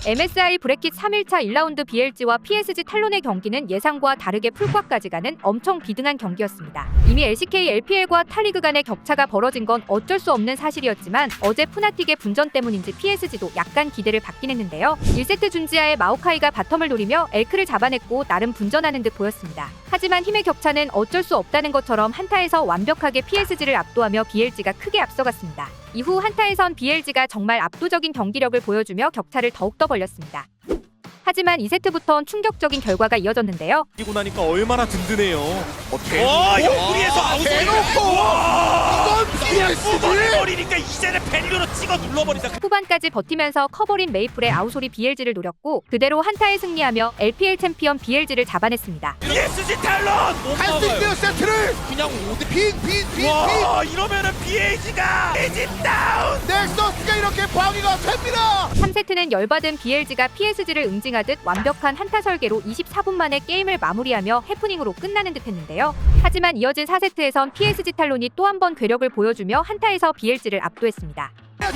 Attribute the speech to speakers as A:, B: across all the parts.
A: MSI 브래킷 3일차 1라운드 BLG와 PSG 탈론의 경기는 예상과 다르게 풀과까지 가는 엄청 비등한 경기였습니다. 이미 LCK, LPL과 타리그 간의 격차가 벌어진 건 어쩔 수 없는 사실이었지만 어제 푸나틱의 분전 때문인지 PSG도 약간 기대를 받긴 했는데요. 1세트 준지아의 마오카이가 바텀을 노리며 엘크를 잡아냈고 나름 분전하는 듯 보였습니다. 하지만 힘의 격차는 어쩔 수 없다는 것처럼 한타에서 완벽하게 PSG를 압도하며 BLG가 크게 앞서갔습니다. 이후 한타에선 BLG가 정말 압도적인 경기력을 보여주며 격차를 더욱더 벌렸습니다. 하지만 2세트부터는 충격적인 결과가 이어졌는데요.
B: 이고 나니까 얼마나 든든해요.
C: 옆구리에서
B: 대놓고
C: 이건
B: PSG
C: 버리니까 이제는 벨류로 찍어 눌러버린다.
A: 후반까지 버티면서 커버린 메이플의 아우솔이 BLG를 노렸고 그대로 한타에 승리하며 LPL 챔피언 BLG를 잡아냈습니다.
C: PSG 탈론
B: 할 수 있는 세트를
C: 그냥
B: 빈
C: 와 이러면은 BAG가 에집 다운.
B: 넥서스가 이렇게 방위가 됩니다.
A: 3세트는 열받은 BLG가 PSG를 응징하듯 완벽한 한타 설계로 24분 만에 게임을 마무리하며 해프닝으로 끝나는 듯 했는데요. 하지만 이어진 4세트에선 PSG 탈론이 또 한 번 괴력을 보여주며 한타에서 BLG를 압도했습니다.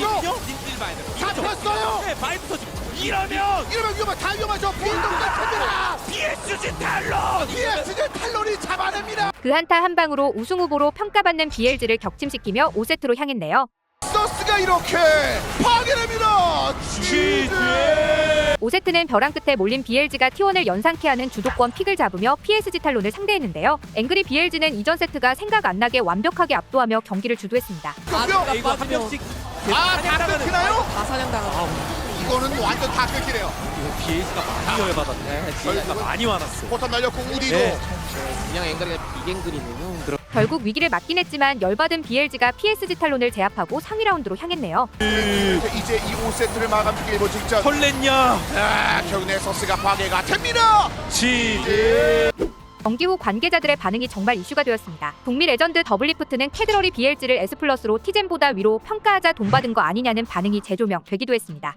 B: 잡혔어요.
C: 네, 바이트 터지고 이러면
B: 위험한 다 위험하죠. 빈동작 됩니다.
C: PSG 탈론.
B: PSG 탈론이 잡아냅니다.
A: 그 한타 한 방으로 우승 후보로 평가받는 BLG를 격침시키며 5세트로 향했네요.
B: 넥서스가 이렇게 파괴됩니다. GG.
A: 5세트는 벼랑 끝에 몰린 BLG가 T1을 연상케 하는 주도권 픽을 잡으며 PSG 탈론을 상대했는데요. 앵그리 BLG는 이전 세트가 생각 안 나게 완벽하게 압도하며 경기를 주도했습니다.
C: 이거 한 명씩
B: 다 끊기나요?
C: 다 사냥당하고.
B: 이거는 완전 다 끊기네요.
C: BAG가 많이 열받았네. BAG가 많이 화났어.
B: 포탄 날렸고 우리도
C: 그냥 앵글이가 비갱글이네요.
A: 결국 위기를 맞긴 했지만 열받은 BLG가 PSG 탈론을 제압하고 상위 라운드로 향했네요.
B: 이제 이 5세트를 마감시킬 일본 직전.
C: 설렜냐?
B: 결국 넥서스가 파괴가 됩니다.
C: GG.
A: 경기 후 관계자들의 반응이 정말 이슈가 되었습니다. 북미 레전드 더블리프트는 캐드러리 BLG를 S+로 티젠보다 위로 평가하자 돈 받은 거 아니냐는 반응이 재조명 되기도 했습니다.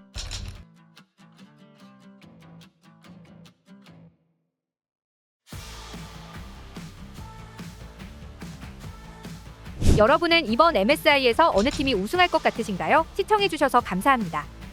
A: 여러분은 이번 MSI에서 어느 팀이 우승할 것 같으신가요? 시청해주셔서 감사합니다.